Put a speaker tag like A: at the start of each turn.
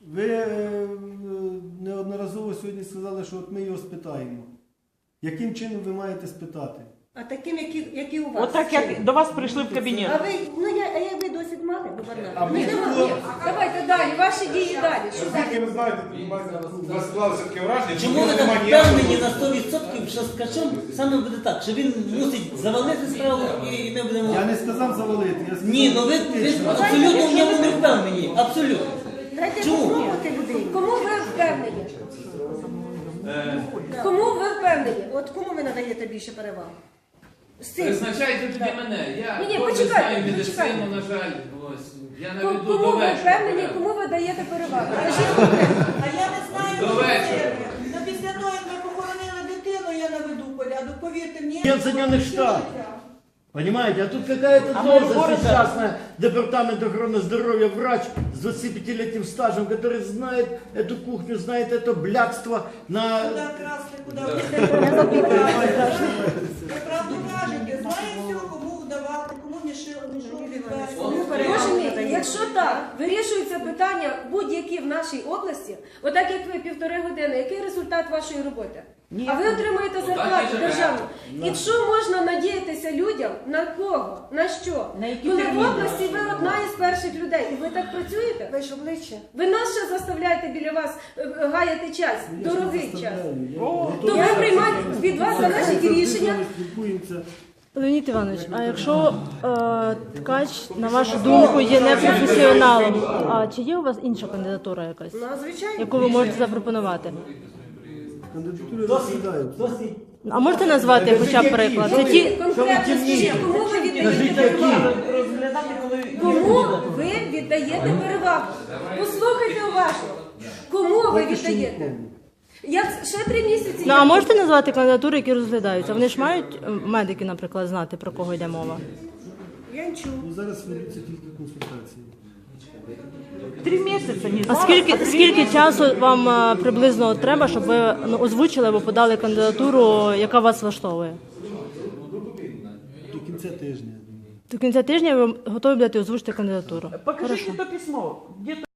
A: Ви неодноразово сьогодні сказали, що от ми його спитаємо. Яким чином ви маєте спитати?
B: А таким, які у вас.
C: Отак, як до вас прийшли в кабінет.
B: А ви, як ви досвід мали, губернатор?
A: А ви хто?
B: Ні, давайте далі, ваші дії далі. Що
D: Оскільки ви знаєте, у вас склалося таке враження,
E: Чому ви так впевнені на 100%, що з Ткачем саме буде так, що він мусить завалити справу і ми будемо...
A: Я не сказав завалити, я сказав...
E: Ні, ну ви абсолютно в ньому не впевнені, абсолютно.
B: Дайте
E: Чому?
B: попробувати людей. Кому ви впевнені? Кому ви впевнені? От кому ви надаєте більше переваг? З цим.
F: Призначайте тоді мене. Я
B: Ні,
F: добре
B: почекайте,
F: знаю медицину,
B: почекайте.
F: на жаль. Ось. Я наведу
B: Кому
F: до
B: ви
F: вечора.
B: впевнені, кому ви даєте перевагу? Кажіть конкретно.
G: А я не знаю,
F: До вечора.
G: Ну, після того, як ми похоронили дитину, я наведу порядок. Повірте мені.
H: Нет Соединенных Штатов. Понимаете, а тут какая-то должность частная, департамент охраны здоровья, врач с 25-летним стажем, который знает эту кухню, знает это блядство на...
G: Куди красти, куди ви правду кажете, знає все, кому вдавати, кому мішок відвести.
B: Боже мій, якщо так вирішується питання будь-які в нашій області, отак як ви 1,5 години, який результат вашої роботи? А ви отримуєте зарплату державну. І що можна надіятися людям? На кого? На що? Коли в області ви одна із перших людей, і ви так працюєте? Ви ж обличчя. Ви нас ще заставляєте біля вас гаяти час, дорогий час. То ви приймаєте від вас залежить рішення.
I: Леонід Іванович, а якщо Ткач, на вашу думку, є непрофесіоналом, а чи є у вас інша кандидатура якась,
B: Ну, звичайно.
I: яку ви можете запропонувати?
A: Кандидатури розглядають.
E: Досить.
I: А можете назвати хоча б приклад? Це ті,
B: Конкретно скажіть, кому ви віддаєте перевагу? Кому ви віддаєте перевагу? Послухайте уважно. Кому ви віддаєте? Я ще 3 місяці.
I: ну а можете назвати кандидатури, які розглядаються? Вони ж мають медики, наприклад, знати, про кого йде мова?
B: Я не чую.
A: Ну, зараз ведуться тільки консультації.
C: 3 місяці, не
I: А скільки часу вам приблизно треба, щоб ви озвучили або подали кандидатуру, яка вас влаштовує?
A: До кінця тижня, я думаю.
I: До кінця тижня ви готові будете озвучити кандидатуру?
C: Покажите то письмо. Где